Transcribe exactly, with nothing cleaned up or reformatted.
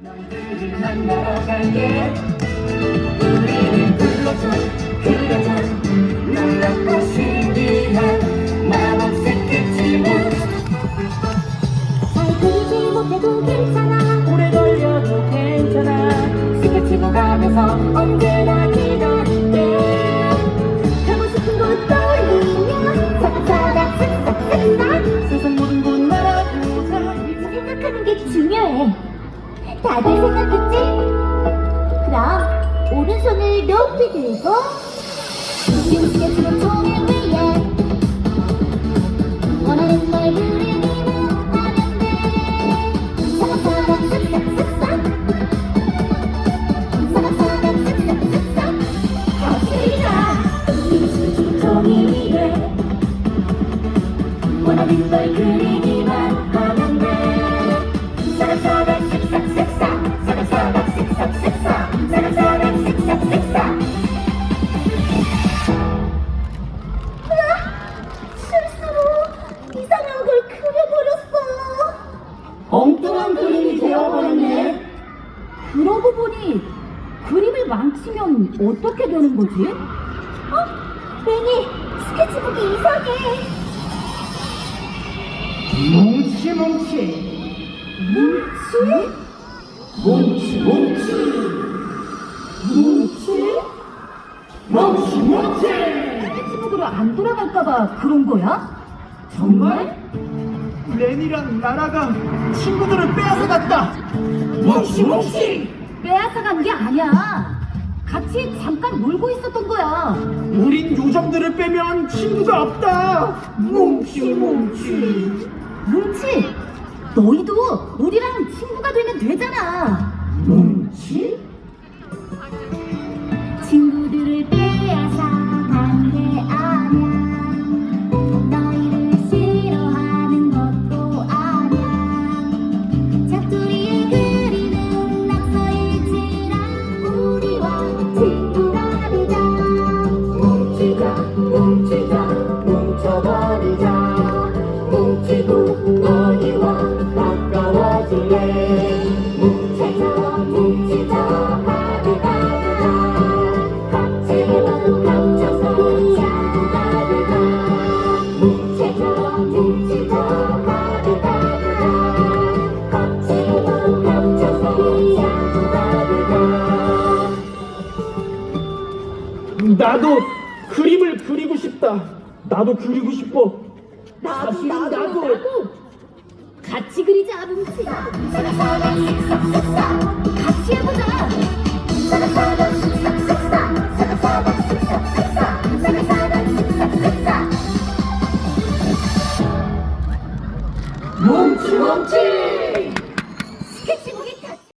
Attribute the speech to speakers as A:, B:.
A: 너희를 만나러 갈게. 우리를 불러줘 그려줘 놀랍고 신기한 마법 스케치북.
B: 잘 그리지 못해도 괜찮아.
A: 오래 걸려도 괜찮아. 스케치북 하면서 언제나 기다릴게.
B: 가고 싶은 곳 떠올리며 사각사각 쓱싹쓱싹
A: 세상 모든 곳 날아보자.
B: 생각하는 게 중요해. 다들 생각했지? 그럼 오른손을 높이 들고 긴 스케치북 종이 위에 원하는 걸 그리기만 하면 돼. 사각사각 쓱싹쓱싹 사각사각 쓱싹쓱싹 다
A: 긴 스케치북 종이 위에 원하는 걸 그리기만 하면 돼. 사각사각 쓱싹쓱싹 사각사각 쓱싹쓱싹 사각사각 쓱싹쓱싹.
B: 실수로 이상한 걸 그려버렸어.
A: 엉뚱한 그림이 되어버렸네.
C: 그러고 보니 그림을 망치면 어떻게 되는 거지?
B: 어? 레니, 스케치북이 이상해.
A: 뭉치 뭉치
B: 뭉치?
A: 뭉치 뭉치
B: 뭉치?
A: 뭉치 뭉치.
C: 스케치북으로 안 돌아갈까봐 그런 거야?
A: 정말? 렌이랑 나라가 친구들을 빼앗아갔다. 뭉치 뭉치.
C: 빼앗아간 게 아니야. 같이 잠깐 놀고 있었던 거야.
A: 우린 요정들을 빼면 친구가 없다. 뭉치 뭉치
C: 뭉치, 너희도 우리랑 친구가 되면 되잖아.
A: 뭉치.
B: 친구들을 빼앗아 간 게 아냐. 너희를 싫어하는 것도 아냐. 작두리에 그리는 낙서일지라 우리와 친구가 되자.
A: 뭉치자 뭉치자 뭉쳐버리자. 뭉치고 너희와 가까워질래. 뭉치자 뭉치자 하루가루가 같이 뭉쳐서 친구가 되자. 뭉치자 뭉치자 하루가루가 같이 뭉쳐서 친구가 되자. 나도 그림을 그리고 싶다. 나도 그리고 싶어.
C: 나도,
A: 사실은
C: 나도,
A: 나도.
C: 나도. 같이 그리자, 뭉치.
B: 사각사각 쓱싹쓱싹
C: 같이 해보자.
B: 사각사각 쓱싹쓱싹 사각사각 쓱싹쓱싹 사각사각 쓱싹쓱싹.
A: 뭉치 뭉치